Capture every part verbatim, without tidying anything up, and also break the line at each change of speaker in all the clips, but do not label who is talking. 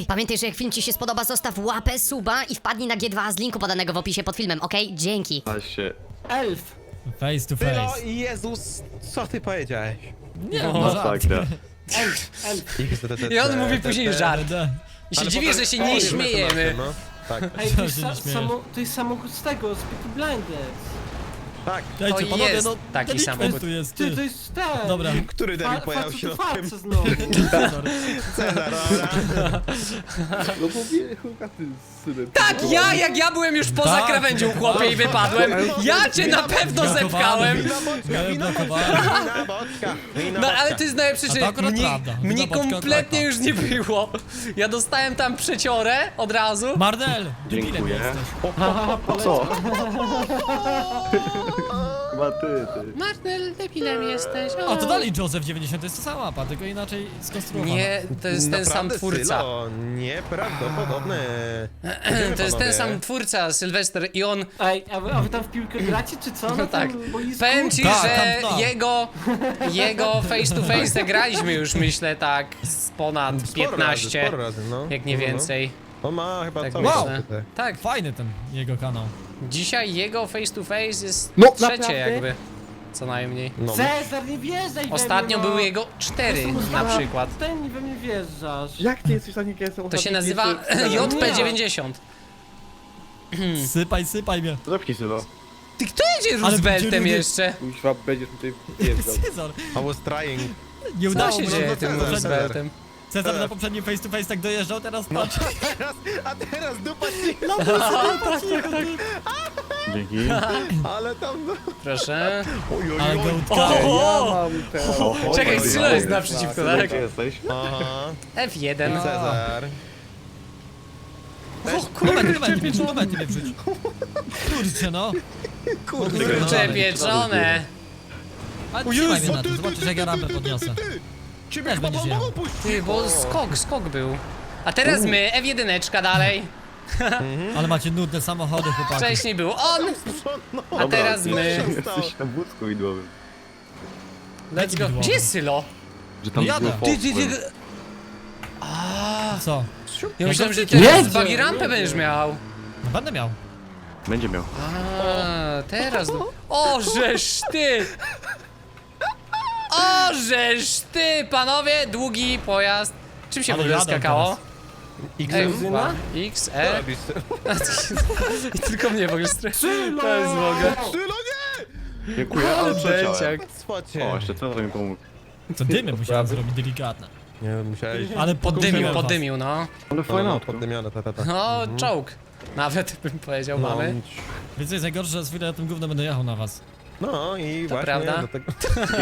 pamiętaj, że jak film ci się spodoba, zostaw łapę, suba i wpadnij na G dwa z linku podanego w opisie pod filmem, okej? Dzięki.
Właśnie.
Elf!
Face to
Tylo,
face.
Jezus, co ty powiedziałeś?
Nie,
No,
no żart.
tak,
Elf! Elf!
I on mówi później żart.
Da.
I się
Ale
dziwię,
potem-
że się
o,
nie
jest
śmiejemy.
mecenatem, no. Tak,
Ej,
Co
to jest,
się
sa
nie śmiejesz?
samo, to jest samochód z tego, z Peaky Blinders.
tak.
Dajcie,
To
panowie,
jest
no,
taki
delikwent
samochód.
tu jest,
Ty,
ty.
to jest ten!
Dobra.
Który debil
Fa-
pojawia
facet
się
to
na tym?
farce znowu.
Cezar, dobra.
No bo wie, chyba ty z synem.
Tak, ja, jak ja byłem już poza
Tak,
krawędzią, chłopie, i wypadłem. Ja cię na pewno zepchałem.
Wina boczka,
Ja
wina
blokowałem.
boczka, wina boczka, wina
No
boczka.
ale to jest najlepsze,
A to
że
akurat
mnie,
prawda.
mnie
Wina boczka
kompletnie
klapa.
już nie było. Ja dostałem tam przeciorę od razu.
Marnel, debilem
Dziękuję.
jesteś.
Po co? Chyba ty, ty.
Marnel, debilem jesteś.
A to dalej Joseph dziewięćdziesiąt, to jest ta sama mapa, tylko inaczej skonstruowana.
Nie, to jest ten sam
Naprawdę,
twórca.
Sylo, nieprawdopodobne.
To jest ten
panowie.
sam twórca, Sylwester, i on...
Ej, a wy, a wy tam w piłkę gracie, czy co? Na
No tak.
tym boisku?
Powiem ci,
Tak,
że
Camp Nou.
jego, jego face to face graliśmy już, myślę, tak z ponad
Sporo
piętnaście,
razy, sporo razy, no.
jak nie
No, no.
więcej.
On ma chyba
Tak
cały
myślę.
czas tutaj.
Tak,
Fajny ten jego kanał.
dzisiaj jego face to face jest
No,
trzecie
naprawdę?
jakby, co najmniej.
No.
Cezar, nie wjeżdżaj
Ostatnio
we mnie, no.
były jego cztery
Jestem
na
ustawa-
przykład.
Ten i we mnie wjeżdżasz.
Jak ty jesteś taki, jak ja jestem
To się
ostatni
nazywa
pierwszy-
J P dziewięćdziesiąt.
Sypaj, sypaj mnie.
Zepnij Sylo.
Ty kto jedzie
Ale
Rooseveltem
będzie
jeszcze?
Kuźwa, będziesz tutaj wjeżdżał.
Cezar,
I was trying.
nie
Co
udało
się
mu
dzieje
się.
tym
Cezar.
Rooseveltem?
Cezar na poprzednim face to face tak dojeżdżał, teraz patrz.
Teraz, a teraz dupa ci,
Dzięki.
ale tam no.
Proszę.
Oj, oj,
Ale
oj.
gołtka.
O!
mam te...
Czekaj, Sylo jest naprzeciwko, tak?
Gdzie jesteś?
Aha,
F jeden.
Cezar.
Momenty, momenty mnie wrzuć, momenty mnie wrzuć. Kurczę no.
Kurde,
Kurcze pieczone.
Ale
O
trzymaj
Jezu,
mnie na
ty,
tym,
ty,
zobaczysz
ty,
jak ja
ty,
rampę
ty, ty,
podniosę.
ty, ty. Ciebie
Też
chyba
będziesz
mogą
jechał.
puścić.
Ty, bo skok, skok był. A teraz my, F jeden dalej.
Ale macie nudne samochody, chłopaki.
Wcześniej był on, a
Dobra,
teraz
ty.
my.
Jesteś na wózku widłowym.
Let's go. Gdzie jest Sylo?
Że tam
No jadę.
był
Ty, ty, ty.
Volkswagen.
A,
Co?
ja myślałem, że
Nie,
teraz
nie,
buggy
nie,
rampę
nie.
będziesz miał.
No będę miał.
Będzie miał.
A, teraz. O, żeż ty! O, żeż ty, panowie, długi pojazd. Czym się w
Ale
ogóle
jadę
skakało?
X,
M,
Benzyna?
X,
co
E.
robisz?
I tylko mnie w ogóle stre...
Sylo!
To jest w ogóle.
Sylo, nie!
Dziękuję, ale przeciąłem.
Dęciak.
Swocie.
O, jeszcze Cezar mi pomógł.
Co dymy musiałem zrobić delikatne.
Nie wiem, musiałeś...
Ale
Poddymił,
poddymiłem was.
poddymił, no.
Ale
No,
fajna
no,
auto.
poddymione, ta, ta, ta.
No, czołg. Nawet bym powiedział,
No,
mamy.
Więc co jest najgorsze, że z chwilę na tym gówno będę jechał na was.
no i
To
właśnie
prawda.
do tego...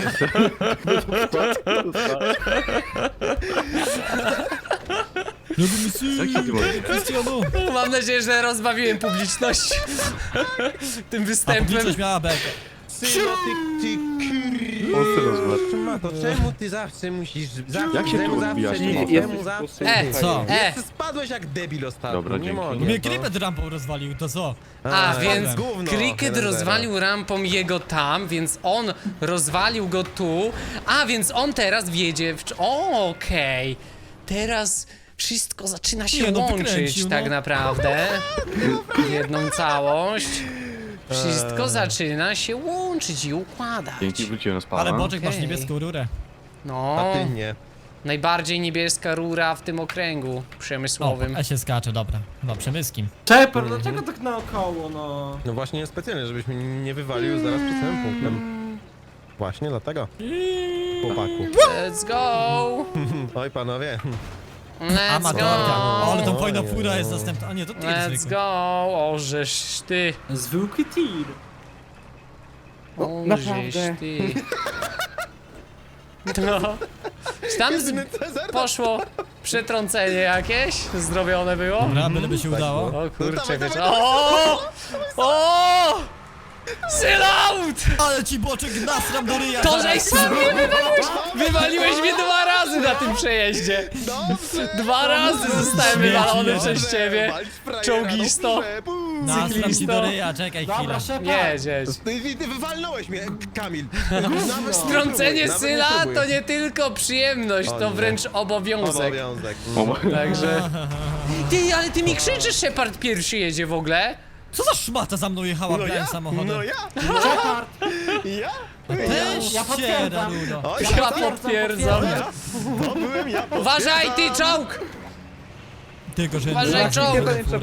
Lubimy sy,
Jaki ty możesz?
Krystianu.
Mam nadzieję, że rozbawiłem publiczność tym
A
występem.
publiczność miała bekę.
Sylo, ty, ty
On Sylo zobacz.
kurwa, to czemu ty zawsze musisz... Zawsze,
Jak się
czemu
tu
zawsze
odbijasz?
ty,
Nie,
czemu
jesteś
zawsze
E,
ty?
co?
E.
Ty spadłeś jak debil ostatnio,
Dobra,
nie
dzięki.
mogę.
Mnie
to-
Cricket rampą rozwalił, to co?
A,
to
więc
jest gówno,
Cricket
jeden zero.
rozwalił rampą jego tam, więc on rozwalił go tu, a więc on teraz wjedzie w... cz- O, okej. Teraz wszystko zaczyna się
Nie, no
łączyć
wykręcił,
tak
no.
naprawdę w jedną całość. Wszystko
Eee.
zaczyna się łączyć i układać.
Dzięki, wróciłem na spana.
Ale Boczek masz
Okej.
niebieską rurę.
No,
A ty nie.
najbardziej niebieska rura w tym okręgu
O,
przemysłowym.
a się skacze, dobra. Chyba przemyskim.
Czepar, dlaczego tak naokoło, no?
No właśnie specjalnie, żebyś mnie nie wywalił zaraz przed samym punktem. Właśnie dlatego. Chłopaku.
Let's go!
Oj panowie.
Let's
Amatorka. O, ale
go!
tam fajna
Oj,
fura
oj,
jest
oj.
następna. A nie, to ty
Let's
zwykły.
go! O, żeż ty!
Zwykły tir.
O,
naprawdę.
żeś ty! No. Czy tam z...
Cezar,
poszło przetrącenie jakieś? Zrobione było?
Dobra, byleby się udało.
O kurczę,
dawaj,
wiesz...
dawaj,
O! O! Sylaut!
Ale ci Boczek nasram do ryja.
To
zaraz.
żeś sam mnie wywaliłeś! Wywaliłeś mnie dwa razy na tym przejeździe!
Dobrze.
Dwa razy zostałem
Śmieci
wywalony
jeden.
przez ciebie!
Walcz frajera,
Czołgisto.
dobrze, bum.
Nasram ci
Cyklisto.
do ryja, czekaj chwilę.
Dobra, Shepard.
Jedź, jedź.
Ty, ty wywalnąłeś mnie, Kamil. Nawet
Strącenie
nawet
Syla
próbuj.
to nie tylko przyjemność,
O
to
nie.
wręcz obowiązek.
Obowiązek.
Także... Ty, ale ty mi krzyczysz, Shepard pierwszy jedzie w ogóle?
Co za szmata za mną jechała,
No
brałem
ja,
samochodem?
no ja,
Shepard.
ja.
Weź
Ja
się,
potwierdzam.
Darudo.
O,
Ja
ja,
potwierdzam.
to byłem ja.
Uważaj, ty
potwierdzam.
czołg!
Tylko, że...
Uważaj, czołg!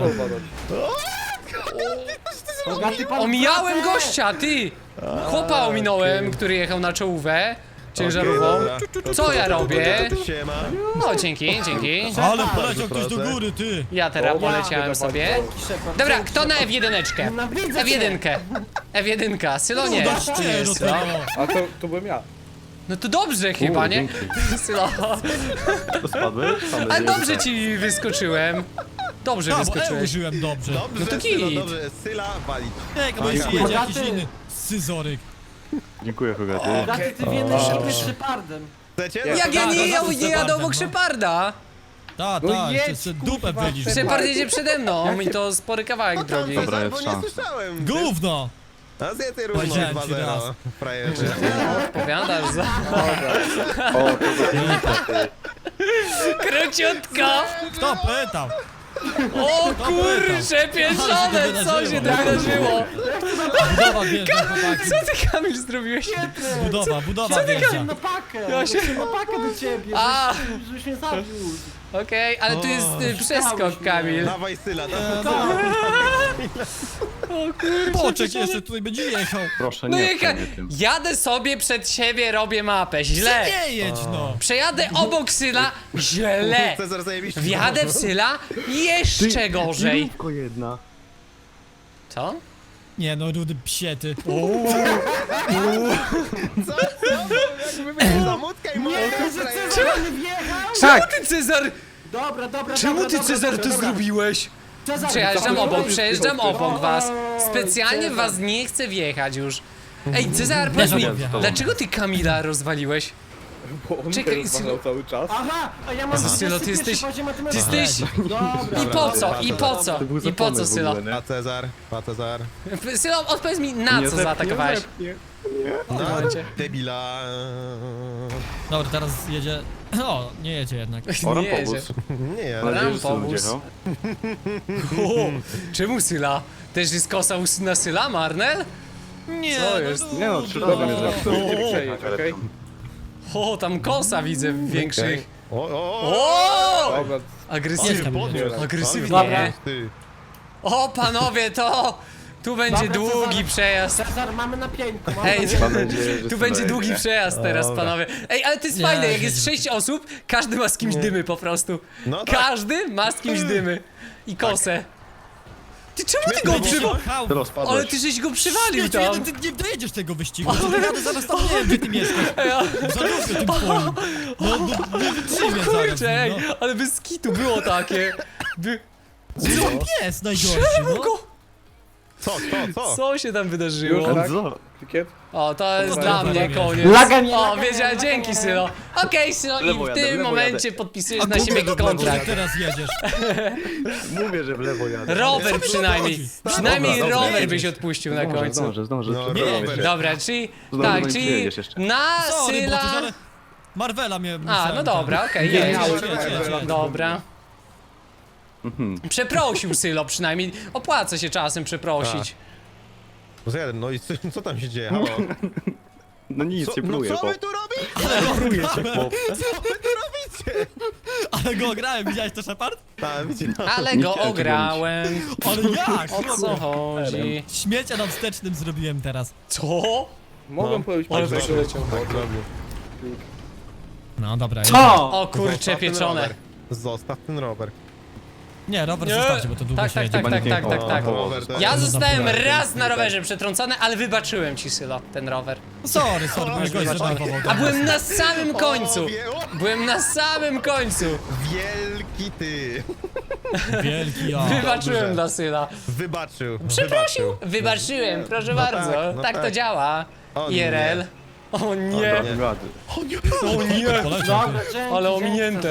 Bogaty pan
Omijałem
pracę.
gościa, ty! Chłopa ominąłem, który jechał na czołówę ciężarową.
Okej, dobra.
Co ja robię?
Siema.
No, dzięki, dzięki.
Ale poleciał ktoś do
proszę.
góry, ty!
Ja teraz poleciałem sobie.
Dzięki, Shepard,
Dobra,
dzięki,
kto na
Shepard.
F jeden?
Nienawidzę
F jeden. F jeden. Sylo nie.
Dasz
Ty
ty
jest,
do
Sylo.
tego!
A to, to byłem ja.
No to dobrze chyba, nie? Sylo.
To spadłeś? Tam
Ale
będzie-
dobrze ci wyskoczyłem. Dobrze
Tak, bo E
wyskoczyłeś.
użyłem dobrze.
Dobrze,
No to
Sylo,
git.
dobrze. Syla walić.
Nie, bo jeśli
Bogaty.
jedzie jakiś inny scyzoryk.
Dziękuję, Hogaty.
Bogaty, ty w jednej szybie z Shepardem.
Chcecie?
Ja-
Jak ja nie,
Tak,
ja
to
nie
jest
jadę obok
no.
Szeparda.
Tak,
No
tak,
jedź,
jeszcze dupę
kurwa,
wylisz.
Shepard.
Shepard jedzie przede mną i to spory kawałek drogi.
Dobra,
Bo
jest
nie
szansa.
słyszałem.
Gówno!
A zjedz równo
Powiedziałem
dwa
ci
zero.
raz.
Frajerze.
Powiadasz za...
O, to
Króciutko!
Kto pytał?
O kurcze pieczone, co się tam wydarzyło?
Budowa wjeżdża, chłopaki.
Co ty, Kamil, zrobiłeś?
Budowa, budowa
Co ty
wjeżdża.
na pakę?
Ja się-
Na pakę do ciebie,
A.
żebyś- żebyś mnie zabił.
Okej, ale tu jest y, przeskok, Kamil.
Dawaj Syla, dawaj.
Boczek jeszcze tutaj będzie jechał.
proszę
No
nie
jaka...
mnie tym.
Jadę sobie przed siebie, robię mapę, źle.
Nie jedź no!
Przejadę obok Syla, źle.
Cezar zajebiście.
Wjadę w Syla, jeszcze gorzej.
Tylko jedna.
Co?
Nie no, rudy psiety.
Co? Co? Jakby była zamutka i moja
Cezar nie wjechał?
Czemu ty, Cezar?
Dobra, dobra,
Czemu
dobra,
ty,
dobra,
Cezar,
dobra,
to
dobra.
zrobiłeś?
Cezar,
Przejeżdżam
dobra,
obok,
dobra.
przejeżdżam obok was.
Oj,
Specjalnie w
Cezar.
was nie chcę wjechać już. Ej, Cezar, powiedz mi,
żebym wjechał.
dlaczego ty Kamila rozwaliłeś?
Bo on
Czekaj,
mnie rozwalał cały czas.
Aha, a ja mam
Jezu, Sylo, ty
dwudziesty
jesteś-
pierwszy poziom
Ty
matematyki.
jesteś...
Dobra.
I po co? I po co?
To był
I po
zapomysł
co,
w
Sylo?
ogóle, nie?
Pa Cezar, pa Cezar.
Sylo, odpowiedz mi, na
Nie
co
zep-
zaatakowałeś?
nie zepnie.
No,
Momencie.
debila.
Dobra, teraz jedzie... O, nie jedzie jednak.
O,
Nie jedzie.
rampobus.
Nie,
Mam nadzieję, że Syl
Rampobus.
będzie jechał.
O, czemu Syla? Też jest kosa u syna Syla, Marnel?
Nie,
Co
no
jest?
rudy.
Nie no, trzy
Dobra,
razy mnie
dobra,
zepsuł.
to nie przejedź, okej?
O, tam kosa widzę większych.
O, o, o.
O!
Dobra,
Agresywnie.
Jest Kamil.
Agresywnie.
Dobra.
Ty.
O, panowie, to... Tu będzie
Dobra,
długi
Cezar.
przejazd.
Cezar, mamy na pięku. mamy
Ej,
na pięku.
Mam nadzieję, że
Tu
Syl
będzie
dojedzie.
długi przejazd teraz,
Dobra.
panowie. Ej, ale to jest
Nie,
fajne, jak
nie,
jest
nie.
sześć osób, każdy ma z kimś dymy po prostu.
No tak.
Każdy ma z kimś dymy. I kosę. Ty czemu ty go
Będzie
przywalił?
jechał.
Teraz
Ale
spadłeś.
ty żeś go przywalił
Śmieciu,
tam.
jeden, ty nie dojedziesz tego wyścigu. Co ty jadę zaraz tam, nie wiem, gdzie ty mieszkasz.
Ej, a-
Za dużo tym twoim. No, no, nie wytrzymie zaraz.
Kurczę, ej,
No.
ale bez kitu było takie. By...
Co pies najgorszy,
Czemu
no?
go?
Co, co, co?
Co się tam wydarzyło?
Już, tak?
Co?
Tikiet?
O, to jest
Dobra,
dla
dobra,
mnie
dobra.
koniec.
Laga nie,
O,
laga nie,
wiedziałem,
laga
dzięki
nie.
Sylo. Okej, Sylo, i
Lewo
w
jadę,
tym
lewo
momencie
jadę.
podpisujesz
A
na siebie
gówno, że
kontrakt.
teraz jedziesz.
Mówię, że w lewo jadę.
Rower
Co mi
przynajmniej.
chodzi?
Przynajmniej
Dobra, dobra,
rower
jedziesz.
byś odpuścił na
Zdążę,
końcu.
zdążę, zdążę.
No,
przepraszam
rower.
cię.
Dobra, czyli...
Znowu
Tak,
nie
czyli
przyjedziesz jeszcze.
na
Sorry, bo ty
Syla...
ale Marvela mnie
A,
musiałem
no
tam-
dobra, okej,
Nie,
jedź.
nie,
Jedź, jedź, jedź.
Dobra.
Mhm.
Przeprosił Sylo przynajmniej. Opłaca się czasem przeprosić.
No jeden, no i co, co tam się dzieje? Halo?
No nic,
Co,
nie
no
próbuję,
co
bo...
wy tu robicie?
Próbuję cię, chłop.
Co wy tu robicie?
Ale go ograłem, widziałeś to, Shepard?
A, widzicie?
Ale
Nie
go
chciałem cię
ograłem.
Ale jak?
O co chodzi?
Śmiecia na wstecznym zrobiłem teraz.
Co?
Mogłem
No.
powiedzieć,
Ale
że
wyszło.
przyleciał.
Tak zrobił.
No dobra,
Co?
O kurcze
Zostaw ten
pieczone.
rower. Zostaw ten rower.
Nie, rower
Nie.
zostawcie, bo to długo
Tak,
się
tak,
jedzie.
tak, tak,
Chyba
tak,
nie-
tak,
o,
tak.
o,
rower to
Ja
jest-
zostałem
dobra.
raz na rowerze przetrącony, ale wybaczyłem ci, Sylo, ten rower.
Sorry, sorry, bo gość zdenerwował.
A byłem na samym końcu.
O, wie, o,
Byłem na samym końcu.
wielki ty.
Wielki ja.
Wybaczyłem
dobrze.
dla Syla.
Wybaczył.
Przeprosił.
Wybaczył.
Wybaczyłem, proszę
No
bardzo.
tak, no
tak to
tak.
działa.
O
I R L.
nie.
O
Dobra,
nie.
wygrady.
O nie.
Poleciał,
Dobra,
ty.
dzięki,
Ale
dzięki,
ominięte.
Cezar.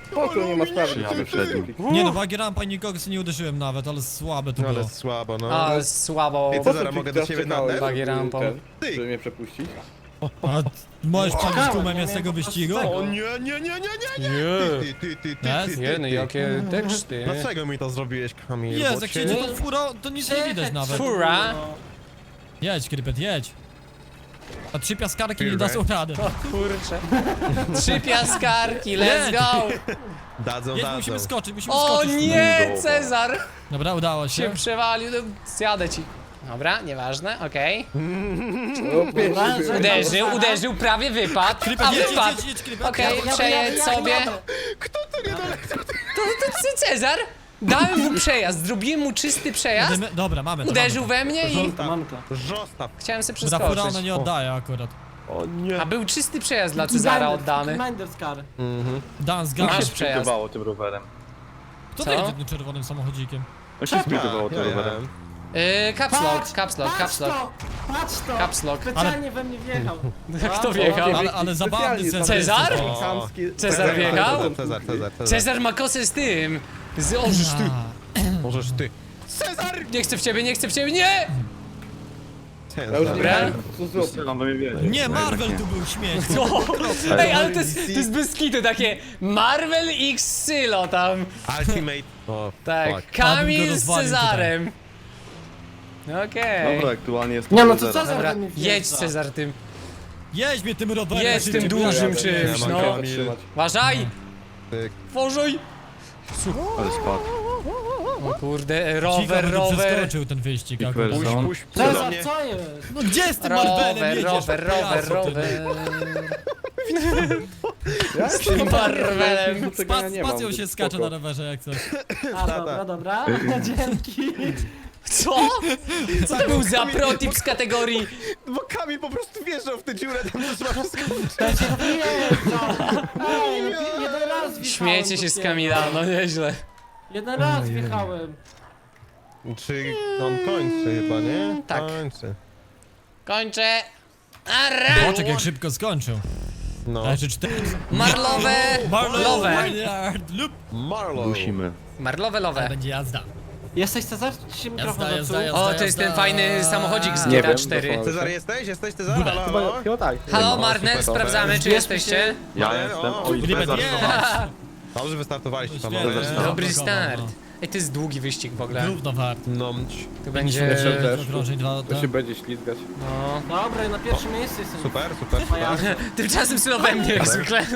Spoko, nie ma sprawy.
Ja
ciebie
wyprzedzę.
wszedł.
Nie no, bagi rampa i nikogo sobie nie uderzyłem nawet, ale słabe to
No
było.
ale słabo, no.
A, słabo.
Ej,
Po co
Cezara,
ty
mogę do
teraz
ciebie
czekałeś,
nadać?
Bagi
żeby
rampą.
ten-
Ty.
Żeby mnie przepuścić?
A możesz przebić
Czekałem,
tłumem
nie
jest tego
miałem po
wyścigu?
prostu
O
tego.
nie, nie, nie, nie, nie, nie!
Nie.
Ty, ty, ty, ty,
Jest?
ty,
Nie, no
ty.
jakie teksty.
Dlaczego mi to zrobiłeś, Kamil?
Jest,
Bo
jak
cię-
jedzie tą furą, to nic nie widać nawet.
Fura.
Jedź, Krypet, jedź. A trzy piaskarki nie
Kurde.
dadzą rady.
Kurczę. Trzy piaskarki, let's go!
Dadzą,
Jedź,
dadzą.
musimy skoczyć, musimy
O
skoczyć.
nie, Cezar!
Dobra, udało
Się
się.
przewalił, no, zjadę ci. Dobra, nieważne, okej.
No, pierwszy byłem.
Uderzył, uderzył, prawie wypadł.
Krypet,
A
jedź, jedź,
wypadł!
jedź, jedź, Krypet.
Okej,
Jadę,
przejedź
jadę,
sobie.
jadę.
To, to ty, Cezar? Dałem mu przejazd, zrobiłem mu czysty przejazd.
Jedziemy- Dobra, mamy to.
Uderzył
mamy
we mnie i
Zostaw,
Mam to.
zostaw.
chciałem sobie
to. Ta fura ona
przeskoczyć.
nie oddaje akurat.
O nie.
A był czysty przejazd dla Cezara oddany.
Commander's car.
Dan,
Masz
zgadza.
przejazd.
Sprintowało tym rowerem.
Kto
Co?
jedzie tym czerwonym samochodzikiem?
No się sprintowało tym
Ja, ja,
rowerem.
Yy, caps lock,
Patrz,
caps lock,
patrz
caps lock.
to, patrz to.
Caps lock.
Specjalnie we mnie wjechał.
Kto wjechał?
Ale, ale zabawny
Specjalnie
Cezar.
Cezar?
jest.
Chamski-
Cezar wjechał?
Cezar, Cezar, Cezar, Cezar.
Cezar ma kosę z tym. Z ożysz ty.
A,
Możesz ty.
Nie chcę w ciebie, nie chcę w ciebie, nie!
Ja już
Cezar.
nie
Dobra.
wiem, co zrobić.
Strzelam, bo mnie wiedzie.
Nie, Marvel tu był śmiech.
O, ej, ale to jest, to jest bez kitu takie Marvel X Sylo tam.
Ultimate. O,
Tak,
fuck.
Kamil z
rozwalił
Cezarem. Okej.
Dobra, aktualnie jest
Nie no, to
zero.
Cezar
Dobra,
we mnie wjeżdża.
jedź Cezar tym.
Jedź mnie tym rowerem.
Jedź
szybciej,
tym
bo ja
dużym
jadę.
czymś,
Ja mam
no.
Kamil.
Trzymać.
Uważaj!
Tyk.
Tworzoj!
Ale spadł.
O kurde,
Cicho
rower,
będzie
rower.
przeskoczył ten wyścig
I
akurat.
kwel-
Puść, puść, puść do
Cezar,
mnie.
co jest?
No gdzie z tym Marvelem
Rower,
jedziesz?
rower, rower,
Pajacu ty.
rower.
Ja
Z tym Marvelem.
Tego ja
Spac-
nie mam,
Spacją
więc
się skacze
spoko.
na rowerze jak coś.
A, dobra, dobra. Dzięki.
Co? Co to był za protip z kategorii
Bo Kamil po prostu wjeżdżał w tę dziurę, tam trzeba wszystko...
Ja się wjeżdżam. Ej, no, jeden raz wjechałem.
Śmiejecie się z
dopiero.
Kamila, no nieźle.
Jeden raz wjechałem.
Czy on kończy chyba, nie?
Tak.
Kończy.
Kończę. Ara!
Boczek jak szybko skończył.
No.
A jeszcze cztery.
Marlowe, lowe.
Maynard, lup.
Marlow.
Musimy.
Marlowe,
Ale
lowe.
będzie jazda.
Jesteś Cezar? Ci się mikrofon
Jazda,
zepsuł?
jazda,
O, to jest ten fajny samochodzik z
Nie
G T A
wiem,
cztery.
dosłownie.
Cezar, jesteś? Jesteś Cezar? Halo,
Chyba,
halo?
chyba tak.
Halo,
No,
Marner,
super,
sprawdzamy, czy
Zbierzmy
jesteście.
Ja
Ale-
jestem.
o,
Oj,
Krypet,
Cezar
nie.
znowu.
Dobrze wystartowaliście
Świetnie.
panowie.
Cezar
Dobry
Brakowało,
start.
no.
Ej, to jest długi wyścig w ogóle.
Równo wart.
No,
Tu będzie...
Jeszcze też.
Okrążeń dwa,
To się będzie ślizgać.
No.
Dobra, ja na pierwszym miejscu jestem.
super, super,
A ja
super.
Tymczasem Sylo we mnie jak zwykle.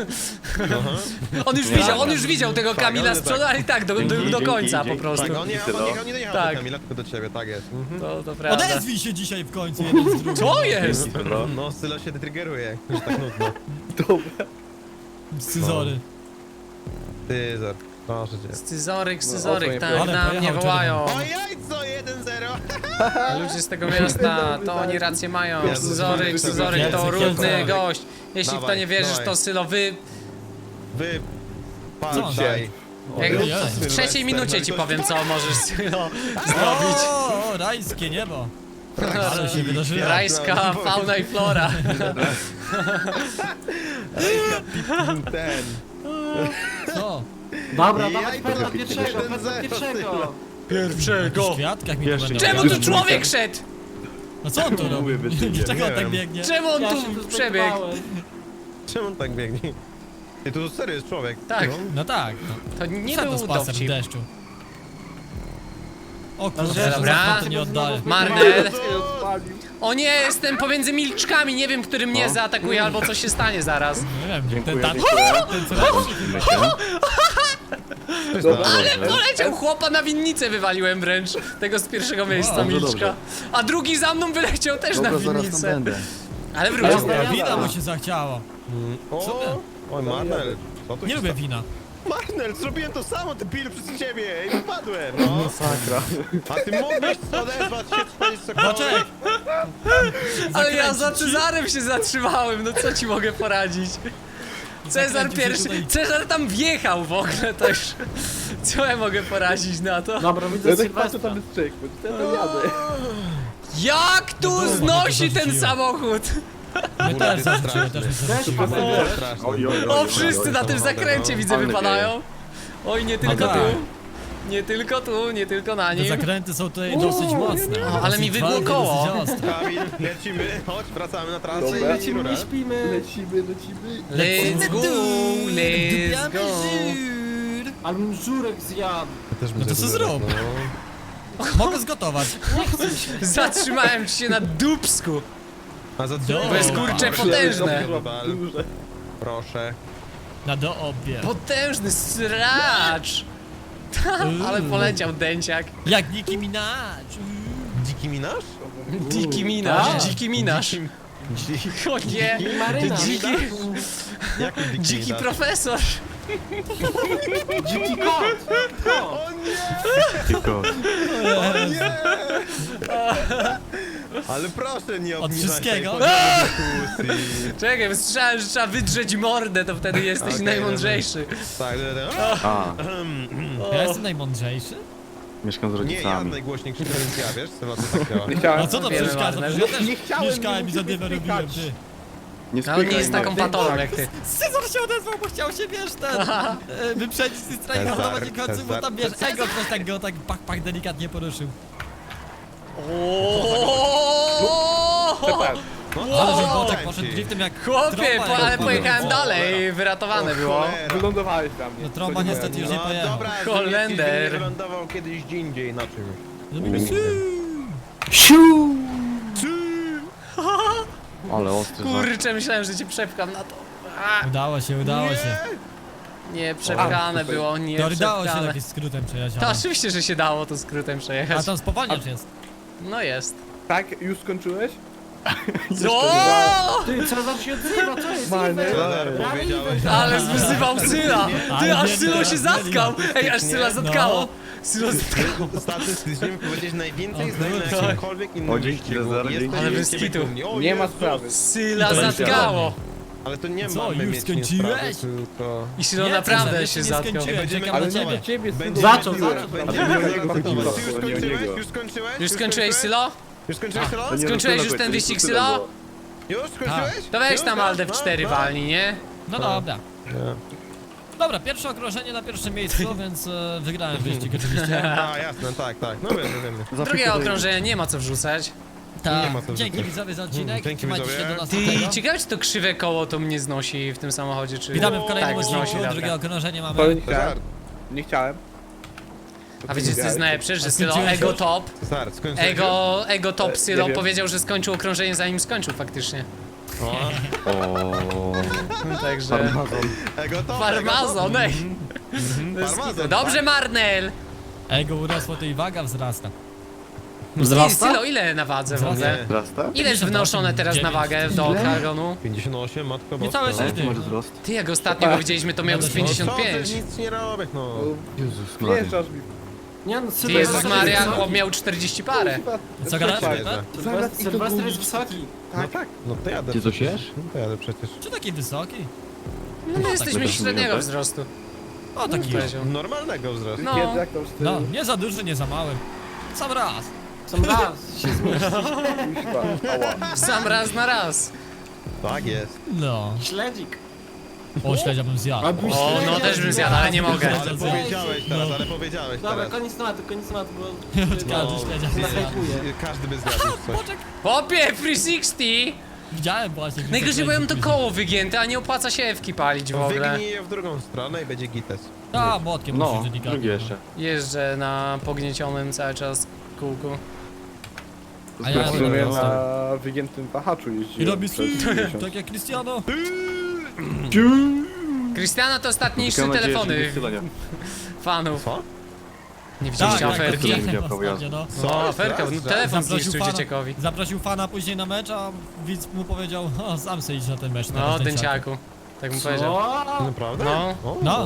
On już widział, on już widział tego Kamila z przodu, ale i tak do, do, do
Dzięki,
końca po
dzięki.
prostu.
Tak, on nie, on nie, on nie jechał
Tak.
do Kamila, tylko do ciebie, tak jest. Mhm.
To, to prawda.
Odezwij się dzisiaj w końcu jeden z drugim.
Co jest?
No.
No, Sylo się triggeruje, że tak nudno.
Dobra.
Scyzory.
Cezar, proszę cię.
Scyzoryk,
No,
scyzoryk,
o,
tak
ale
na mnie
pojechał
wołają.
O jajco, jeden zero!
Ludzie z tego miasta, to oni rację mają.
Jezus,
Scyzoryk,
Jezus,
scyzoryk to
Jezus,
równy
Jezus.
gość. Jeśli w to
Dawaj,
nie wierzysz,
dawaj.
to Sylo wy...
Wy...
Co?
Patrzaj.
Jak
Ojej.
w trzeciej minucie ci powiem, co możesz Sylo zrobić.
O, rajskie niebo. Ale się wydarzyło.
Rajska fauna i flora.
Ten.
Co?
Dobra,
Jaj,
dawać pędla
to
pierwszego,
jeden
pędla
zero,
pierwszego.
W
Pierwszego.
kwiatkach mi
Jeszcze
tu
nie.
będą.
Czemu tu człowiek szedł?
No co on tu robi?
Mówię, wyścigiem,
Dlaczego on
nie
tak
wiem.
biegnie?
Czemu on
Ja się
tu
tu
przebiegł?
zbudowałem.
Czemu on tak biegnie? Ty, tu serio jest człowiek.
Tak.
No.
No tak. No.
To nie
Co to
był
spacer w
dowcip.
deszczu? O
Dobra.
kurczę,
Dobra.
to nie oddaję.
Marnel.
Odpalił.
O nie, jestem pomiędzy milczkami, nie wiem, który mnie zaatakuje albo coś się stanie zaraz.
Nie wiem, ten
Dziękuję,
tak.
dziękuję.
Ten co robi?
Dobra.
Ale
Poleciał chłopa na winnicę wywaliłem wręcz, tego z pierwszego miejsca
Wow,
dobrze,
milczka.
dobrze.
A drugi za mną wyleciał też
Dobra,
na
zaraz tam
winnicę.
będę.
Ale wrócił.
Dobra.
Wina mu się zachciało.
O, oj, Marnel. Co tu
Nie
się
lubię
stało?
wina.
Marnel, zrobiłem to samo, ty pil przez ciebie i wypadłem. No.
Masakra.
A ty mogłeś odezwać się, spalić cokolwiek.
Boczek!
Ale ja za
Zakręcić ci?
Cezarem się zatrzymałem, no co ci mogę poradzić? Cezar
Zakręcił się
pierwszy,
tutaj.
Cezar tam wjechał w ogóle też. Co ja mogę poradzić na to?
Dobra, widzę
Ja tak patrzę,
Sylwestra.
tam jest czyk, bo ja tam jadę.
Jak tu
No było,
znosi
to
ten
zarzuciłem.
samochód?
My też zarzuciły, też mi zarzuciły.
Straszne.
Oj, oj, oj,
O,
oj,
wszyscy
oj,
na
oj.
tym zakręcie widzę
Ale
wypadają. Oj, nie tylko
tak.
tu. Nie tylko tu, nie tylko na
Te
nim.
zakręty są tutaj dosyć mocne.
O, ale mi
Dosyć
wygło
twarde,
koło.
dosyć ostre.
Kamil, lecimy, chodź, wracamy na trasę i
Dobra.
lecimy rurę.
Śpimy.
Lecimy, lecimy.
Let's go, let's go.
Ale bym żurek zjadł.
Też
No to co zrób?
No.
Mogę zgotować.
Zatrzymałem ci się na dupsku.
A za
Dobra.
To jest kurcze potężne.
Duże.
Proszę.
Na do obie.
Potężny sracz. Ale poleciał dęciak.
Jak Nicki Minaj.
Dziki minasz?
Dziki minasz,
tak.
dziki minasz. O nie,
Maryna.
dziki,
Jaki dziki
dziki
minasz?
profesor.
Dziki kot. Kot.
Tylko
Ale proszę nie
Od
obniżaj
wszystkiego?
tej dyskusji.
Czekaj, bo słyszałem, że trzeba wydrzeć mordę, to wtedy jesteś
Okej,
najmądrzejszy.
Tak, tak, tak.
A,
Ja jestem najmądrzejszy?
mieszkam z
Nie, ja
rodzicami.
najgłośniej krzyczę, więc ja, wiesz, co to tak działa.
Nie chciałem.
A co to
Wiemy,
przeszkadza?
Marnel.
Przecież ja też
Nie chciałem,
mieszkałem
nie
i
musisz
zadymę robiłem,
spykać.
ty.
Nie
Ale on nie
spykaj,
jest taką
Martin.
patolą jak ty.
Cezar się odezwał, bo chciał się, wiesz, ten, e, wyprzedzić i strajkować i końcu, bo tam, wiesz, ego ktoś tak go tak pach, pach delikatnie poruszył.
Przepraszam.
Ale że
Wow.
Botek poszedł driftem jak
Chłopie,
trąba,
po,
jak
ale
kurwa.
pojechałem dalej, wyratowane było.
Cholera.
Wylądowałeś na mnie.
No trąba
Co nie
niestety
powiem.
już nie
No
pojechał.
dobra,
Holender.
nie wylądował kiedyś gdzie indziej na czymś.
Zrobimy
Ale ostry żart.
Kurczę, myślałem, że cię przepcham na to. A,
Udało się, udało się.
nie, przepchane
A,
było, nie
To dało się
przepchane.
jakimś skrótem przejechać.
To
ale-
oczywiście, że się dało to skrótem
A
przejechać.
tam spowalniacz jest.
No jest.
Tak, już skończyłeś?
O!
Ty, Cezar się odzywa, co jest?
Marny.
Cezar, powiedziałeś.
Ale wyzywał Syla! Ty,
Ale
aż
nie,
Sylo
nie,
się
nie,
zatkał! Ej, aż Syla
nie,
zatkało! Sylo zatkało.
Statystycznie powiedzieć najwięcej
O
zdań na
kurde.
jakimkolwiek innym
O, dzięki,
wyścigu.
Cezar,
Jesteś
dzięki.
Ale bez
wielkim
kitu.
dumni. O
Nie ma
Jezus.
sprawy.
Syla
To jest
zatkało!
Ale to nie
Co,
mamy
już
mieć nie
skończyłeś?
sprawy, tylko...
I Sylo
Nie,
naprawdę
Cezar,
się
jeszcze nie
zatkał.
skończyłem,
Będziemy
czekam na
Ale nie
ciebie.
do ciebie,
Będziemy
Za co,
synu.
za co?
Będziemy
Ale nie
zaraz
o niego
gotować.
chodziło,
Już
to nie o
skończyłeś?
niego.
Już skończyłeś?
Już skończyłeś, Sylo?
Już skończyłeś, Sylo?
To nie
Skończyłeś
do
już
tego,
ten
to
wyścig,
tyle
Sylo?
było.
Już skończyłeś?
To weź
Już?
tam
No,
Alde w
no,
cztery
no.
walni, nie?
No dobra. Dobra, pierwsze okrążenie na pierwszym miejscu, więc e, wygrałem wyścig oczywiście.
A, jasne, tak, tak. No wiemy, wiemy.
Drugie okrążenie nie ma co wrzucać.
Tak,
Nie ma co
dzięki
wrzucać.
widzowie za odcinek,
Dzięki,
trzymajcie się
widzowie.
do
Ty,
następnego.
ciekawe czy to krzywe koło to mnie znosi w tym samochodzie, czy...
Witamy w kolejnym
tak,
odcinku,
znosi,
drugie
dobra.
okrążenie
To
mamy.
nie chciałem.
Cezar,
Nie chciałem.
A wiecie co jest najlepsze, że
A
Sylo
skończyłeś
Ego
już?
Top,
Cezar, skończyłeś
Ego, Ego Top
E,
Sylo
nie wiem.
powiedział, że skończył okrążenie zanim skończył faktycznie.
już? O,
O,
Także...
farmazon.
Ego to,
Farmazon, ej!
ego to. Farmazon,
Dobrze,
tak?
Marnel!
Ego urosło, to i waga wzrasta.
Ty, Sylo, ile na wadze w ogóle?
Nie.
Wzrasta?
Ile jest wnoszone teraz na wagę do oktagonu?
pięćdziesiąt osiem, matko
Niecałe
boska.
sześć
Jaki masz
dych.
wzrost?
Ty, jak ostatnio go widzieliśmy, to miał z
No,
pięćdziesiąt
Co ty,
pięć.
nic nie robię, no.
Jezus Maria.
Wjeżdżasz mi.
Nie no,
Ty,
Sylwester
Jezus
jest
Maria,
wysoki.
chłop miał czterdzieści parę.
Co gadasz?
Cześć.
Rybet?
Zaraz i to
Sylwester jest
gubi.
wysoki.
No tak, no to jadę.
Ty coś
przecież.
jesz?
No to jadę przecież.
Czy taki wysoki?
No my jesteśmy
tak
średniego
tak?
wzrostu.
O, taki jest.
Powiedział.
Normalnego wzrostu.
No.
Kiedy jak tam z tym?
No, nie za duży, nie za mały. Sam raz.
Sam raz się zmieści.
Kuźwa, ała.
Sam raz na raz.
Tak jest.
No.
Śledzik.
O, śledzia bym zjadł.
Albo
O,
śledzia
no też bym zjadł, ale nie mogę.
Ale powiedziałeś teraz, ale powiedziałeś
Dobra,
teraz.
koniec tematu, koniec tematu, bo...
Każdy śledzia by zjadł.
Zahajpuję.
Każdy by zjadł coś.
Boczek.
Popie, trzy sześćdziesiąt!
Widziałem właśnie.
Najgorzej, bo ja mam to koło wygięte, a nie opłaca się Ewki palić w ogóle.
Wygnij je w drugą stronę i będzie gites.
A, młotkiem
No,
musisz delikatnie.
drugi jeszcze.
Jeżdżę na pogniecionym cały czas kółku.
A ja
W
robię
sumie
prosto.
na wygiętym wahaczu
I
jeździłem
robi
przez miesiąc.
tak jak Cristiano.
Cristiano to ostatnie niższe
Mam nadzieję, że
telefony
nie wcylenia.
fanów.
Co?
Nie widzieliście
tak,
aferki?
to widziałem prawo jazdy.
No.
No, aferka, no, telefon zniszczył
fana,
dzieciakowi.
zaprosił fana później na mecz, a widz mu powiedział, o, sam sobie idź na ten mecz.
No,
teraz,
dęciaku. Tak mu powiedział.
Co?
Naprawdę?
No.
O,
No.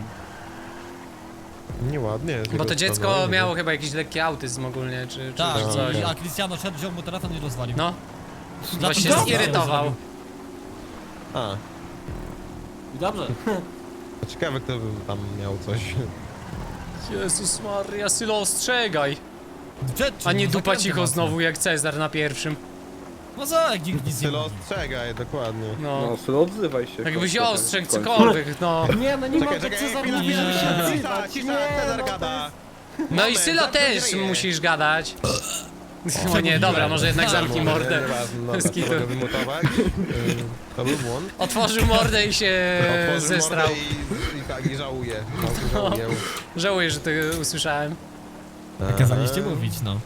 Nieładnie. z
Bo
jego
to dziecko
strony.
miało chyba jakiś lekki autyzm ogólnie, czy, czy
Tak,
czy coś.
i- a Cristiano szedł, wziął mu telefon i rozwalił.
No,
Za
bo
to
się
dobrze
zirytował.
zrobił.
A,
I dobrze.
to ciekawe kto by tam miał coś.
Jezus Maria, Sylo, ostrzegaj!
Przed czym?
A nie dupa
Zakręty
cicho
mocne.
znowu jak Cezar na pierwszym.
No co, jak nikt nic nie
Sylo
mówi.
ostrzegaj, dokładnie.
No.
No, Sylo, odzywaj się.
Jakbyś
Końcu,
ostrzegł
w końcu.
cokolwiek, no.
Nie, no nie
Czekaj,
mogę,
czekaj,
Cezar
chwila,
mówi, żeby się
cisza,
odzywać.
cisza,
Nie,
Cezar
no to
gada.
No i
Moment,
Sylo
zamknij
też
ryję.
musisz gadać. O nie, dobra, może jednak zamknij
Może,
mordę.
nieważne, dobra,
Bez kitu.
to mogę wymutować. Ym, To był błąd.
Otworzył mordę i się
Otworzył
zestrał.
mordę i, i tak, i żałuję. Żałuję.
Żałuję, że to usłyszałem.
Kazaliście mówić, no.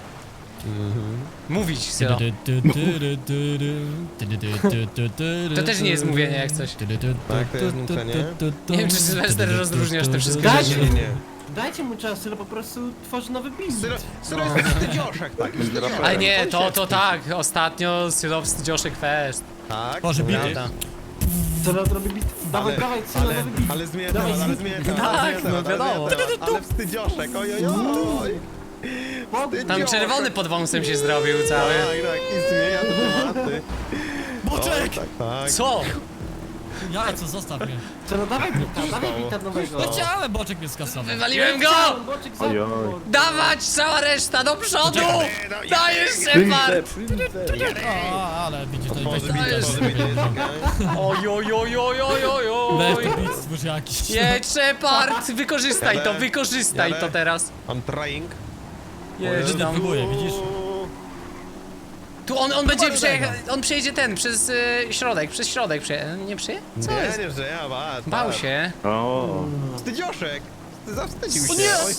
Mówić, Sylo. To też nie jest mówienie jak coś.
Tak, to jest nucenie.
Nie wiem, czy Sylwester rozróżniasz te wszystkie
Dajcie,
rzeczy.
Nie, nie.
dajcie mu czas, Sylo po prostu tworzy nowy beat.
Sylo, Sylo jest wstydzioszek taki. wstydzioszek.
Ale nie, to, to tak. Ostatnio Sylo wstydzioszek fest.
Tak,
Boże, bity.
Prawda.
Sylo robi beat. Dawaj,
Ale-
dawaj, Sylo
ale,
nowy beat.
ale zmienia
Dawaj,
temat, ale
z-
zmienia temat,
Tak,
ale zmienia
no
temat, ale
wiadomo.
zmienia temat. Ale wstydzioszek, oj, oj, oj.
Tam czerwony pod wąsem się zrobił cały.
Tak, tak, i zmienia te tematy.
Boczek!
Tak, tak.
Co?
Jajco, zostaw mnie.
Sylo, dawaj beata, dawaj beata nowego.
No chciałem, Boczek mnie skasował.
Wywaliłem go!
Boczek
Ojoj.
zamknął.
Dawać cała reszta do przodu! Dajesz
Przyjmij
Shepard!
przyjmij
A, ale widzisz, to weź
Otworzy
tu
bity,
bit
otworzy bity, czekaj.
Oj, oj, oj, oj, oj, oj,
Weź
oj.
tu bit, stwórz jakiś.
Jedź Shepard! Wykorzystaj to, wykorzystaj to teraz.
I'm trying.
Jedź
Żydy
tam.
próbuje, widzisz?
Tu on, on będzie przejechał, on przejedzie ten, przez y, środek, przez środek przeje... Nie przeje? Co
Nie,
jest?
nie, że ja, patrz.
Bał
patrz.
się.
O.
Wstydzioszek. Zawstydził się.
O nie!
Oj,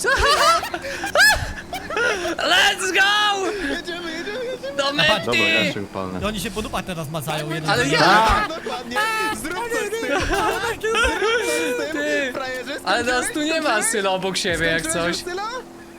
Let's go!
jedziemy, jedziemy, jedziemy.
Do
Dobra,
mety!
ja się upalnę.
I oni się po dupach teraz macają jeden
Ale
z
ja-
drugim.
Tak, dokładnie. Zrób coś z tym. Zrób coś z tym.
Ty.
Frajerze,
Ale nas
skończyłeś?
tu nie ma Sylo obok siebie jak
Skończyłeś
coś.
już, Sylo?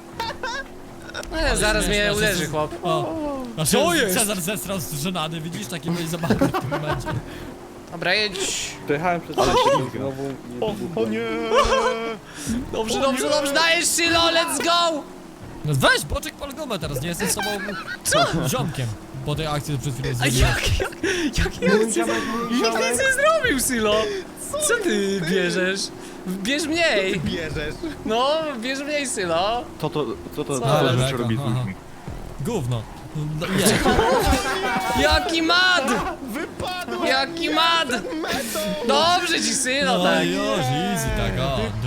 E, zaraz mnie
śmieszne,
uderzy
że-
chłop.
O, znaczy,
Co jest?
Cezar zestrał z żenady, widzisz, taki byli zabawny w tym momencie.
Dobra, jedź.
Przejechałem przez ten znowu nie
O, o nie.
Dobrze, dobrze, dobrze, dajesz Sylo, let's go!
No weź, Boczek pal gumę teraz, nie jesteś sobą ziomkiem. Po tej akcji co przed chwilą
A
zrobiłem.
jak, jak, jak, jak,
Mój ziomek, mój
nikt
ziomek.
nic nie zrobił Sylo! Co ty bierzesz? Bierz mniej!
Bierzesz.
No, bierz mniej Sylo!
Co to, co to
Co?
za
Ale
rzecz
beka,
robi z
aha.
ludźmi?
Gówno. No, nie.
Jaki mad!
Wypadło.
Jaki mad!
Metą.
Dobrze ci Sylo,
No
tak!
już, easy, tak, o.